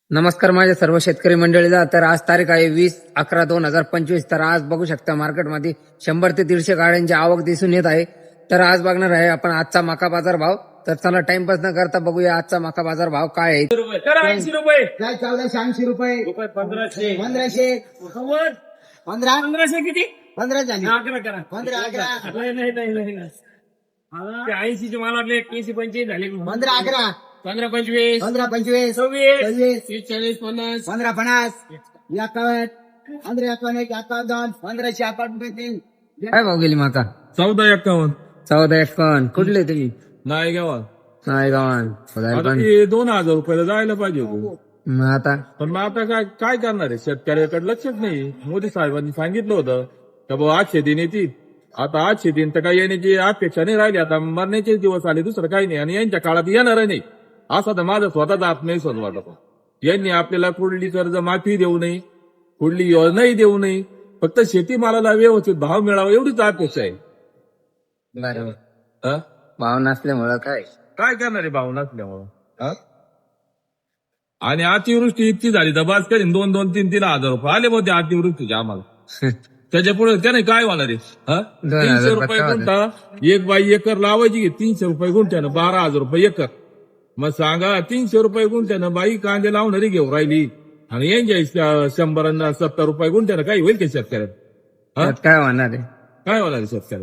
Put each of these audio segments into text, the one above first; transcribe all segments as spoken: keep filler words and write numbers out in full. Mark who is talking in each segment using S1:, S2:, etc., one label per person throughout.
S1: नमस्कार माझ्या सर्व शेतकरी मंडळीला. तर आज तारीख आहे वीस अकरा दोन हजार पंचवीस. तर आज बघू शकता मार्केटमध्ये शंभर ते दीडशे गाड्यांची आवक दिसून येत आहे. तर आज बघणार आहे आपण आजचा मका बाजार भाव. तर चला टाइमपास न करता बघूया आजचा मका बाजार भाव काय आहे.
S2: ऐंशी रुपये
S3: काय चौदाशे ऐंशी रुपये
S2: रुपये पंधराशे
S3: पंधराशे
S2: खबर
S3: पंधरा
S2: पंधराशे किती
S3: पंधरा झाली
S2: अकरा करा
S3: पंधरा अकरा
S2: नाही नाही नाही नाही ते ऐंशीचे मला वाटले एकशे पंचवीस झाले
S3: पंधरा अकरा
S2: पंधरा पंचवीस
S3: पंधरा पंचवीस
S2: सव्वीस
S3: सव्वीस
S2: तीस चाळीस पन्नास
S3: पंधरा पन्नास एकावन्न पंधरा एकावन्न एक एकावन्न दोन पंधराशे अकावन्न तीन
S1: काय भाव गेली मका?
S4: चौदा एक्कावन्न
S1: चौदा एकावन्न. कुठले तुम्ही?
S4: नाही गावात
S1: नाही गावान.
S4: आता ते दोन हजार रुपयाला जायला पाहिजे होतं.
S1: मग आता
S4: पण मग आता काय काय करणार आहे? शेतकऱ्याकडे लक्षच नाही. मोदी साहेबांनी सांगितलं होतं का बाबा आजचे दिन येतील. आता आजचे दिन तर काही येण्याची अपेक्षा नाही राहिली. आता मरण्याचे दिवस आले, दुसरं काही नाही. आणि यांच्या काळात येणार नाही असा तर माझा स्वतःचा आत्मविश्वास वाटतो. यांनी आपल्याला कुठली कर्ज माफी देऊ नये, कुठली योजनाही देऊ नये. फक्त शेतीमालाला व्यवस्थित भाव मिळावा एवढीच अपेक्षा आहे.
S1: बरोबर.
S4: हा?
S1: भाव नसल्यामुळं काय
S4: काय करणार आहे भाव नसल्यामुळं? हा? आणि अतिवृष्टी इतकी झाली तर बास करीन दोन दोन तीन तीन हजार रुपये आले होते अतिवृष्टीचे आम्हाला. त्याच्या पुढे त्याने काय होणार आहे? हा?
S1: दोन हजार
S4: तीनशे
S1: रुपये
S4: रुपये गुंठा एक बाई एकर लावायची की तीनशे रुपये गुंठ्यानं बारा हजार रुपये एकर. मग सांगा तीनशे रुपये गुंठ्यानं बाई कांदे लावणारी घेऊन राहिली आणि यांच्या शंभर सत्तर रुपये गुंठ्यानं काही होईल का शेतकऱ्यात? हा?
S1: त्यात काय होणार आहे?
S4: काय होणार आहे शेतकऱ्यात?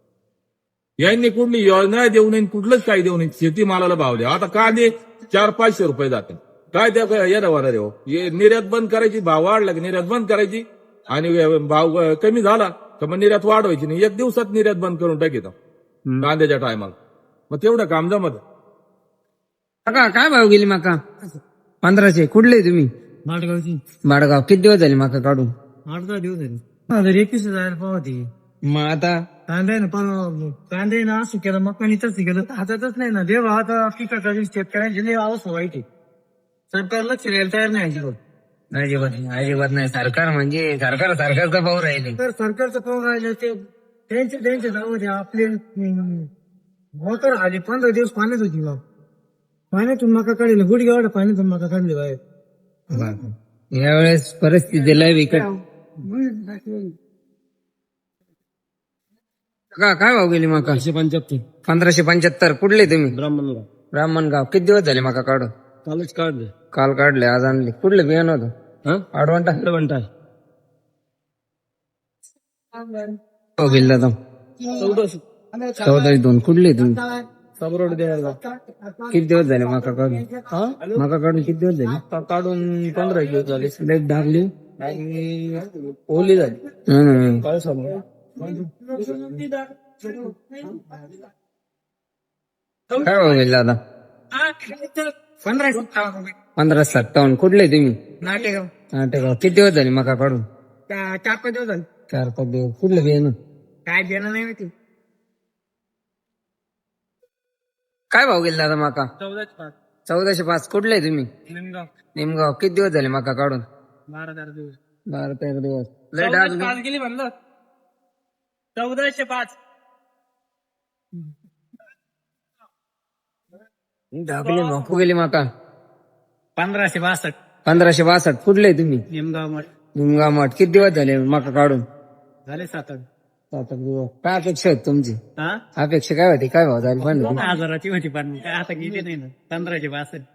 S4: यांनी कुठली योजना देऊ नये, कुठलंच काही देऊ नये. शेतीमालाला भाव द्या. आता कांदे चार पाचशे रुपये जाते. काय त्या येणं होणार आहे हो? हे निर्यात बंद करायची, भाव वाढला की निर्यात बंद करायची आणि भाव कमी झाला तर मग निर्यात वाढवायची नाही. एक दिवसात निर्यात बंद करून टाकीत कांद्याच्या टायमाला. मग तेवढं काम जमत.
S1: मका काय भाव गेली मका? पंधराशे. कुठले तुम्ही?
S2: माटगावची
S1: बाडगाव. किती दिवस झाले मका काढून?
S2: आठ दहा दिवस झाले हजार एकवीस हजार पावती
S1: मग आता
S2: कांदे ना पण कांदे ना असं केलं मग पण तसं केलं तर हातातच नाही ना. देव आता पिकाची शेतकऱ्यांची लई अवस्था वाईट आहे. सरकार लक्ष द्यायला तयार नाही अजिबात.
S1: अजिबात नाही, अजिबात नाही. सरकार म्हणजे सरकार सरकारचा भाव राहिले.
S2: तर सरकारचं पाहून राहिलं ते त्यांचे त्यांचे जाऊ द्या. आपले मोटर आली पंधरा दिवस पाण्यात होती मग पाण्यातून मका काढले गुडघे एवढं पाण्यातून मका काढले बाहेर.
S1: यावेळेस परिस्थिती लय बिकट. का काय भाव गेली मका?
S2: पंच्याहत्तर
S1: पंधराशे पंच्याहत्तर. कुठले तुम्ही?
S2: ब्राह्मणला
S1: ब्राह्मणगाव. किती दिवस झाले मका काढून?
S2: कालच काढले.
S1: काल काढले, आज आणले. कुठले बियाणं होतं? आडवंटा.
S2: घंटा
S1: हो गेली दादा.
S2: चौदाशे
S1: चौदा दोन. कुठले तुम्ही?
S2: सबरोड द्यायला
S1: किती दिवस झाले मका काढून? मका काढून किती दिवस झाले?
S2: काढून पंधरा दिवस झाले.
S1: लेट डागली
S2: आणि ओली झाली
S1: हम्म.
S2: काय सांगू.
S1: काय भाव गेली दादा?
S2: पंधरा
S1: पंधरा सत्तावन्न. कुठले तुम्ही?
S2: नाटेगाव
S1: नाटेगाव. किती दिवस झाले मका काढून?
S2: चार पाच दिवस झाले.
S1: चार पाच दिवस. कुठले बियाणं?
S2: काय देणं नाही माहिती.
S1: काय भाव गेली दादा मका?
S2: चौदाशे पाच
S1: चौदाशे पाच. कुठले तुम्ही?
S2: निमगाव
S1: निमगाव. किती दिवस झाले मका काढून?
S2: बारा तेरा दिवस.
S1: बारा तेरा दिवस. लय
S2: चौदाशे
S1: डाग.
S2: पाच गेली म्हणलं. चौदाशे पाच
S1: डागली भाकू गेली मका.
S2: पंधराशे बासष्ट
S1: पंधराशे बासष्ट. कुठले तुम्ही?
S2: निमगाव मठ
S1: निमगाव मठ. किती दिवस झाले मका काढून?
S2: झाले सात आठ.
S1: सात आठ दिवस. काय अपेक्षा होती तुमची?
S2: हा
S1: अपेक्षा काय होती? काय भाव झाले पण?
S2: दोन हजाराची होती पण काय आता गेली नाही ना. पंधराशे बासष्ट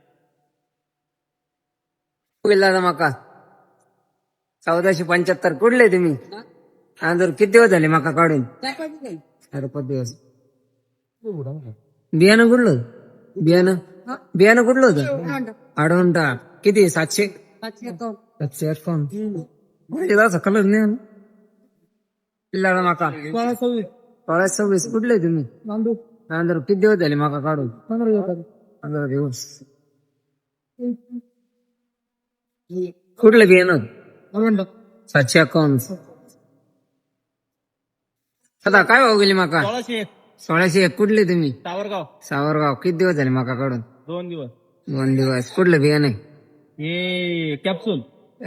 S1: गेला दादा मका. चौदाशे पंच्याहत्तर. कुठले तुम्ही? आंध्र. किती दिवस झाले मका काढून? चार पाच दिवस. बियाणं कुठलं? बियाणं बियाणं कुठलं होतं? आडवंटा. किती? सातशे सातशे अकाउंट. माझ्या कलर नाही ना. पिल्लाडा मका. सोळा सव्वीस. कुठले तुम्ही? आंध्र. किती दिवस झाले मका काढून? पंधरा दिवस. पंधरा दिवस. कुठलं बियाणं? सातशे अकाउंट. आता काय भाव गेली मका?
S2: सोळाशे एक
S1: सोळाशे एक. कुठले तुम्ही?
S2: सावरगाव.
S1: सावरगाव. किती दिवस झाले मका काढून?
S2: दोन दिवस.
S1: दोन दिवस. कुठलं बियाणं?
S2: हे कॅप्सूल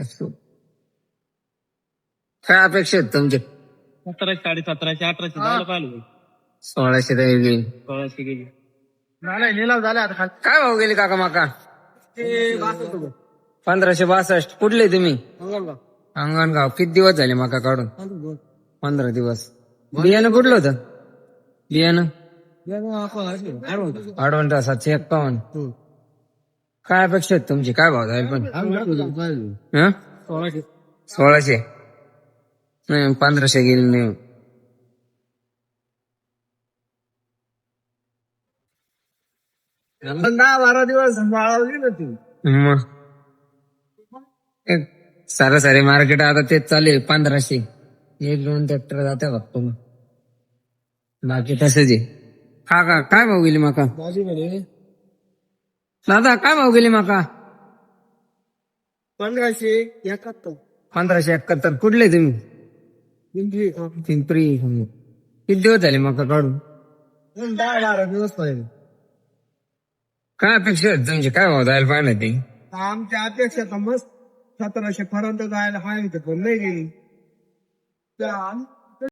S1: काय अपेक्षा आहेत तुमचे?
S2: सतराशे साडे सतराशे अठराशे झालं पाहिलं.
S1: सोळाशे तरी गेली.
S2: सोळाशे गेली. नाही लिलाव झाला आता.
S1: काय भाव गेली काका मका?
S2: ते बासष्ट रुपये.
S1: पंधराशे बासष्ट. कुठले तुम्ही? अंगणगाव. किती दिवस झाले मका काढून? पंधरा दिवस. बियाणं कुठलं होतं? बियाणं अडवंटा सातशे एक्कावन्न. काय अपेक्षा आहेत तुमची? काय भाव जाईल पण? हं? सोळाशे. नाही पंधराशे गेली नाही.
S2: दहा बारा दिवस बाळावली ना ती.
S1: मग सरासरी मार्केट आता तेच चालू आहे पंधराशे. एक दोन ट्रॅक्टर जाते फक्त मग. बाकी तसंच आहे. हा का काय भाव गेली मका? दादा काय भाव गेली मका?
S2: पंधराशे एकाहत्तर.
S1: पंधराशे एकाहत्तर. कुठले तुम्ही?
S2: पिंपरी.
S1: पिंपरी. किती दिवस झाले मका काढून?
S2: दहा बारा दिवस पाहिजे.
S1: काय अपेक्षा आहेत तुमची? काय भाव जायला पाहिजे ते?
S2: आमच्या अपेक्षा तर मस्त सतराशे पर्यंत जायला हाय पण नाही गेली.